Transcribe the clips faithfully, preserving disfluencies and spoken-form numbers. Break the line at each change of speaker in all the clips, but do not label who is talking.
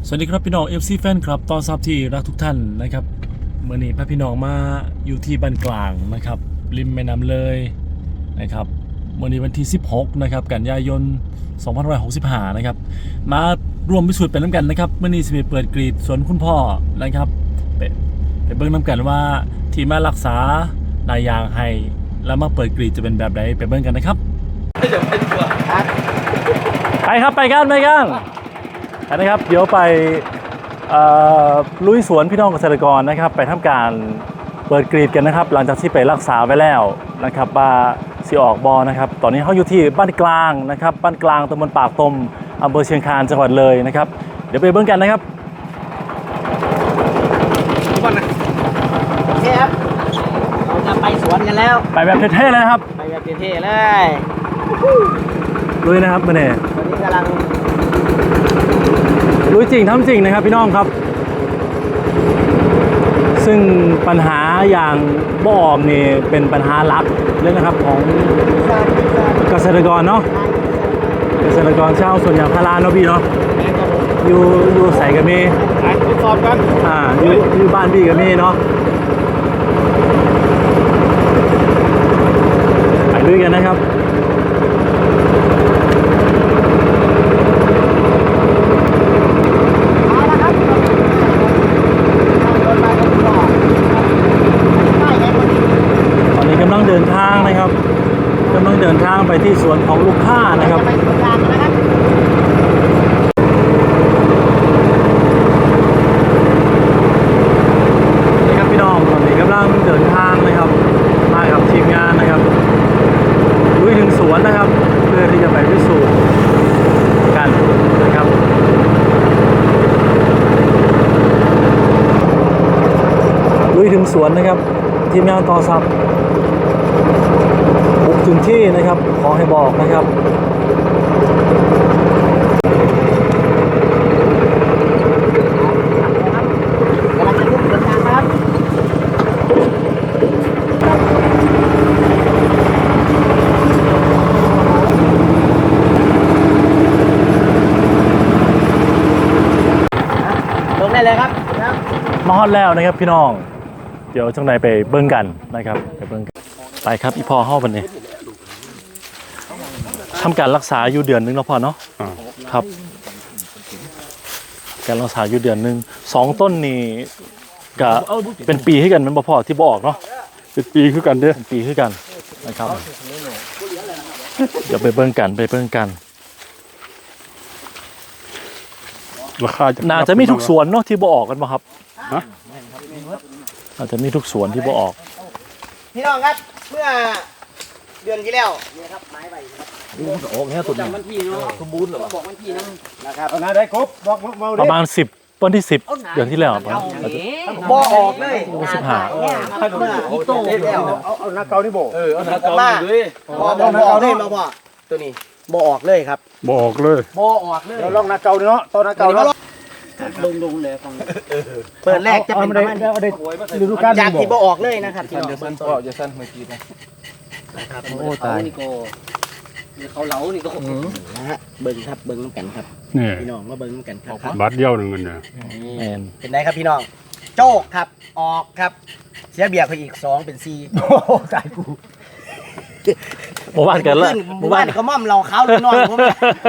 สวัสดีครับพี่น้อง เอฟ ซี แฟนครับตอนซับที่รักทุกท่านนะครับเมื่อนี้พาพี่น้องมาอยู่ที่บ้านกลางนะครับริมแม่น้ำเลยนะครับเมื่อนี้วันที่สิบหกนะครับกันยายนสองพันห้าร้อยหกสิบห้านะครับมารวมพิสูจน์เป็นน้ำกันนะครับเมื่อนี้สิไปเปิดกรีดสวนคุณพ่อนะครับไปไปเบิ่งน้ำกันว่าที่มารักษานายยางให้แล้วมาเปิดกรีดจะเป็นแบบไหนไปเบิ่งกันนะครับไปครับไปกันไปกันนะครับเดี๋ยวไปลุยสวนพี่น้องเกษตรกรนะครับไปทำการเปิดกรีดกันนะครับหลังจากที่ไปรักษาไว้แล้วนะครับบาสีออกบอนะครับตอนนี้เขาอยู่ที่บ้านกลางนะครับบ้านกลางตำบลปากตมอำเภอเชียงคานจังหวัดเลยนะครับเดี๋ยวไปเบิ่งกันนะครับ
โอเคครับเราจะไปสวนกันแล้ว
ไปแบบเท่ๆเลยนะครับ
ไปแบบเท่ๆเลย
ลุยนะครับมื่อนี้
ตอนนี้กำลัง
รู้จริงทำจริงนะครับพี่น้องครับซึ่งปัญหาอย่างบ่อมนี่เป็นปัญหาหลักเลยนะครับของเกษตรกรเนาะเกษตรกรชาวสวนยางพาราเนาะพี่เนาะอยู่อยู่ใส่กับมี
ทดสอบกัน
อ่าอยู่อยู่บ้านพี่กับมีเนาะไปด้วยกันนะครับเดินทางนะครับกำลังเดินทางไปที่สวนของลูกค้านะครับนี่ครับพี่น้องตอนนี้กำลังเดินทางนะครับมากับทีมงานนะครับลุยถึงสวนนะครับเพื่อที่จะไปพิสูจน์กันนะครับลุยถึงสวนนะครับทีมงานต่อซับบุกถึงที่นะครับขอให้บอกนะครับ
กำลังจะลุกเดินทางครับลงได้เลยครับ
มาฮอดแล้วนะครับพี่น้องเดี๋ยวจังไหนไปเบิ่งกันนะครับไปเบิ่งกันไปครับอีพ่อเฮาบัดนี้ทำการรักษาอยู่เดือนนึงแล้วพ่อเนาะครับการรักษาอยู่เดือนนึงสองต้นนี่ก็เป็นปีให้กันมันบ่พอที่บ่ออกเนาะ
เป็นปีคือกันเด้อ
เป็นปีคือกันนะครับเดี๋ยวไปเบิ่งกันไปเบิ่งกัน
ราคา
น่าจะมีทุกสวนเนาะที่บ่ออกกันบ่ครับ
ฮะ
อาจจะมีทุกสวนที่บ่ออก
พี่น้องครับเมื่อเดือนที่แล้วนี่ครับไม้ใบครับ
โอ้แค่ตัวนี้
วันที่เนาะสมบูรณ์เหรอบอกวันที่นะนะครับ
เอาได้ครบบอกเมาดิ
ประมาณสิบวันที่สิบเดือนที่แล้วครับ
บ่ออกเลย
สิบห้า
อีโต้
เอาเอาหน้าเก่านี่บ่
เออเอาหน้าเก่าด้วยบ่บ่ออกเลยมาพ่อตัวนี้บ่ออกเลยครับ
บ่ออกเลย
บ่ออกเลย
เดี๋ยวลองหน้าเก่าเนาะตอนหน้าเก่าเนาะ
ลงลงเลยฟังเปิดแรกจะเป็นประมาณ
ฤดูกาล
จากที่บ่ออกเลยนะครับที่
เดี๋ยวสั้นพ่อจะสั้นเมื่อกี้
นะครับโอ้ตายนี่ก็เขาเหลานี่ก็นะฮะเบิ้งครับเบิ้งน้ำกันครับพี่น้องมาเบิ้งน้ำกันครับ
บาทเดียวหนึ่งเงินเนี่ย
เป็นไงครับพี่น้องโจกครับออกครับเสียเบียร์ไปอีกสองเป็นสี่
โอ้ตายกู
หมู่บ้านกันเลย
หมู่บ้านเขาม่อมเราเขาเลยนอนผม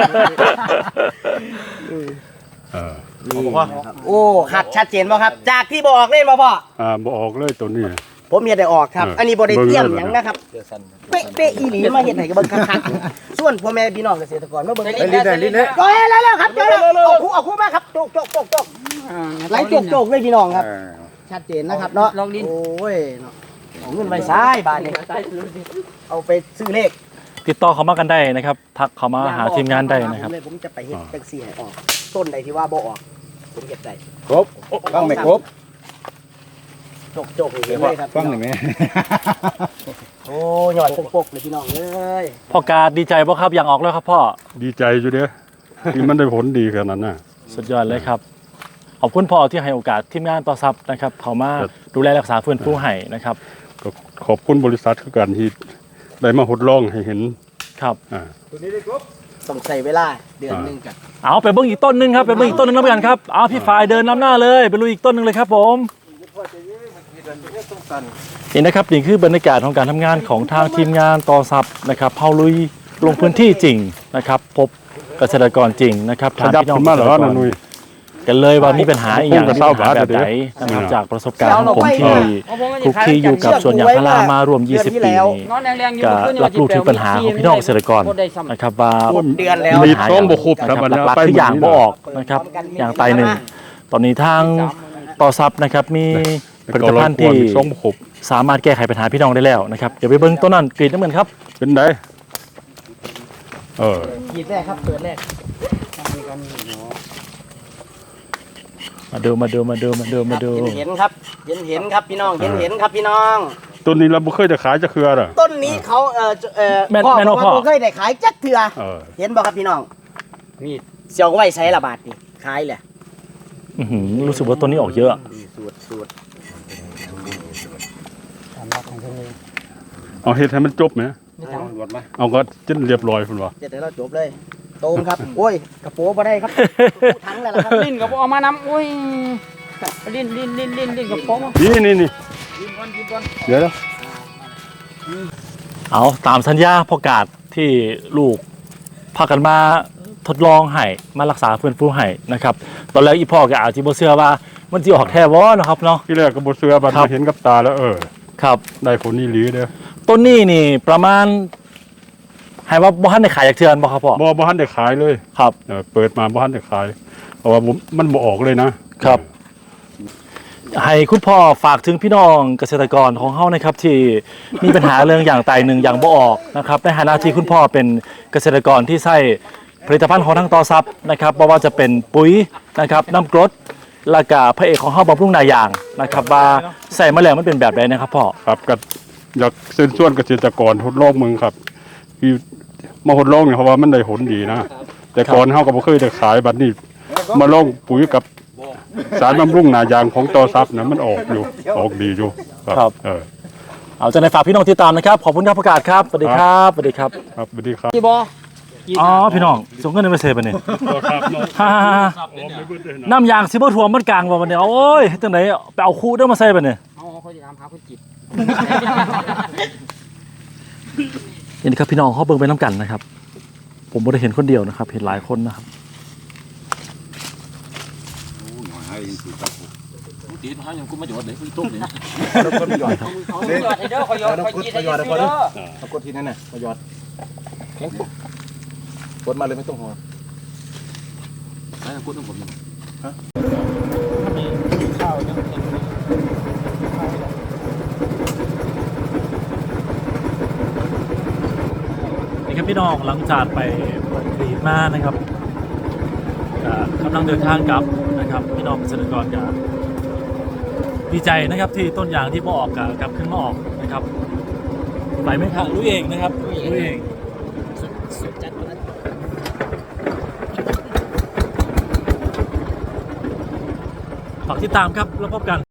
เออ
โอ้ครับชัดเจนป่ะครับจากที่บอกเล่นป่ะพ่อ
อ่าบอกออกเลยตัวนี้
ผมมีได้ออกครับอันนี้บริเตรียมอย่างนะครับเป๊ะเป๊ะอีหลีมาเห็นไหนกับเบิ้งคักๆส่วนพ่อแม่พี่น้องเกษตรกรมาเบิ้ง
ได้ลิ้นได้ลิ้นเลย
ก็แล้วแล้วครับเจอแล้วเอาคู่เอาคู่มาครับโจกโจกโจกโจกไล่โจกโจกเลยพี่น้องครับชัดเจนนะครับเนาะลองลิ้นโอ้ยเอาเงินไปซ้ายบาทนี่เอาไปซื้อเลข
ติดต่อเขามากันได้นะครับทักเขามาหาทีมงานได้นะครับ
ผมจะไปเฮ็ดจังซี่ให้ออกต้นใดที่ว่าบ่ออกผมเก็บได้
ครบต้องไม่ครบ
จกจกเลยครับ
ฟังหนึ่งไหม
โอ้ยอดปกๆเลยพี่น้องเลย
พ่อกาดีใจป่ะครับอย่างออกแล้วครับพ่อ
ดีใจอยู่เด้อที่มันได้ผลดีขนาดนั้นน่ะ
สุดยอดเลยครับขอบคุณพ่อที่ให้โอกาสทีมงานต่อซับนะครับเขามาดูแลรักษาฟื้นฟูให้นะครับ
ขอบคุณบริษัทคือการที่ได้มาทดลองให้เห็น
ครับ
อ่าตัวนี้ได้ครบ
ต้องใช้เวลาเดือนหนึงกัน
เอาไปเบิ้งอีกต้นหนึงครับไปเบิ้งอีกต้นหนึงแล้วกันครับเอาพี่ฝ่ายเดินนำหน้าเลยไปลุยอีกต้นหนึงเลยครับผมนี่นะครับนี่คือบรรยากาศของการทำงานของทางทีมงานต่อซับนะครับเฮาลุยลงพื้นที่จริงนะครับพบเกษตรกรจริงนะครับ
ขยับขึ้นมาเหรอนะนุ้ย
กันเลยว่ามีปัญหาอีกอย่าง
ผมก็
มี
เศร้า
ปัญหาแบบ
บาดเดี๋
ไหน
ยว
นะครับจากประสบการณ์ของผมที่คลุกคลีอยู่กับสวนยางพารามารวมยี่สิบปีนี่
นอนแรงๆอยู่
ก็
เมื่อคืน
รับรู้ถึงปัญหาของพี่น้องเกษตรกรนะครับว่า
เดือนแล้ว
ปัญ
มี
หา
ต้องบ่ครบครับ
นะ
อัน
ห
นี้
ลัก
ไป
ๆคืออย่าง
หม
บ่
ด
ออกนะครับอย่างไตหนึ่งตอนนี้ทางต่อซับนะครับมีผลิตภัณฑ์ที่
ต้องบ่ครบ
สามารถแก้ไขปัญหาพี่น้องได้แล้วนะครับเดี๋ยวไปเบิ้งต้นนั้นกรีดน้ำเงินครับ
เป็นไดเออ
ขีดแรกครับเปิดแรก
มาดูมาดูมาดูมาดูมาดู
เห็นครับเห็นเห็นครับพี่น้องเห็นเห็นครับพี่น้อง
ตัวนี้เราบ่เคยจะขายจะคืออะไร
ต้นนี้เขาเอ่อเอ่อ
แม่น
พ่อ
แม่น
บอก
พ่อ
ว่าบ่เคยได้ขายจักเถื่อ
เออ
เห็นบ่ครับพี่น้อง
มีด
เสียวไว้ใช้ละบาทนี่ขายแหละ
อื้อหือรู้สึกว่าต้นนี้ออกเยอะ
สูตรสูตร
เอาเฮ็ดให้มันจบไหมเอาก็จนเรียบร้อยพุ่นว่า
เดี๋ยวเราจบเลยโตมครับโอ้ยกระโปรงบ่ได้ครับทั้งแล้วล่ะครับ
ลิ้นกับเอามานำอุ้ยลิ้นลิ้นลิ้นลิ้นลิ้นกับป้อง
นี่นี่นี่
กินก่อนกินก่อน
เดี๋ยวนะ
เอาตามสัญญาประกาศที่ลูกพากันมาทดลองให้มารักษาฟื้นฟูให้นะครับตอนแรกอีพ่อก็อาจจะบ่เชื่อว่ามันสิออกแท้บ่เนาะครับเนาะ
ที่แรกก็บ่เชื่อบัด
ครับ
มาเห็นกับตาแล้วเออ
ครับ
ได้ผลนี่หลีเด้อ
ต้นนี้นี่ประมาณให้ว่าบ่ทันได้ขายจากเทือนบ่ครับพ่อ
บ่บ่ทันได้ขายเลย
ครับ
เออเปิดมาบ้านจะขายเพราะว่าผมมันบ่ออกเลยนะครับ
ให้คุณพ่อฝากถึงพี่น้องเกษตรกรของเฮานะครับที่มีปัญหาเรื่องอย่างไตหนึ่งอย่างบ่ออกนะครับในฐานะที่คุณพ่อเป็นเกษตรกรที่ใช้ผลิตภัณฑ์ของทางต่อซับนะครับบ่ว่าจะเป็นปุ๋ยนะครับน้ำกรดแล้วก็พระเอกของเฮาบำรุงนายางนะครับว่าใส่มาแล้วมันเป็นแบบใดนะครับพ่อ
ครับก็อยากเชิญชวนเกษตรกรทดลองมึงครับที่มาทดลองเนี่ยเพราะว่ามันได้ผลดีนะ แต่ก่อนเฮาก็บ่เคยได้ขายบัดนี้มาลองปุ๋ยกับสารบำรุงหนายางของต่อซับนะมันออกอยู่ออกดีอยู่เออ
เอาใจในฝากพี่น้องติดตามนะครับขอบคุณครับประกาศครับสวัสดีครับสวัสดีครับ
ครับสวัสดีครับ
กี่บ่
อ๋อพี่น้องส่งเงินในเมสเซจไปนี่
ครับเนาะ
ฮ่าน้ำยางซิเบอร์ถ่วมมันกลางว่าวันนี้โอ้ยจังไหนไปเอาคู่เด้อมาใส่ไปนี่
เอาเขาจะถามหาคนจิต
นี่ครับพี่น้องเขาเบิ่งไปน้ำกันนะครับ ผมไม่ได้เห็นคนเดียวนะครับ เห็นหลายคนนะครับ
ตีนให้ยังกูมาหยอดเลยกูต้มเลย
เขาหยอดให้เด้อเขาหยอดเขาจิตให้เด้อ
เอากดทีนั้นน่ะมาหยอดแข็งปุ๊บกดมาเลยไม่ต้องห่อไอ้กูต้องผมฮะ
นี่ครับพี่น้องหลังจากไปเปิดกรีดมานะครับก็กำลังเดินทางกลับนะครับพี่น้องเกษตรกรก็ดีใจนะครับที่ต้นยางที่มาออกกับกลับขึ้นมาออกนะครับไปไหมครับรู้เองนะครับรู้เองฝากติดตามครับแล้วพบกัน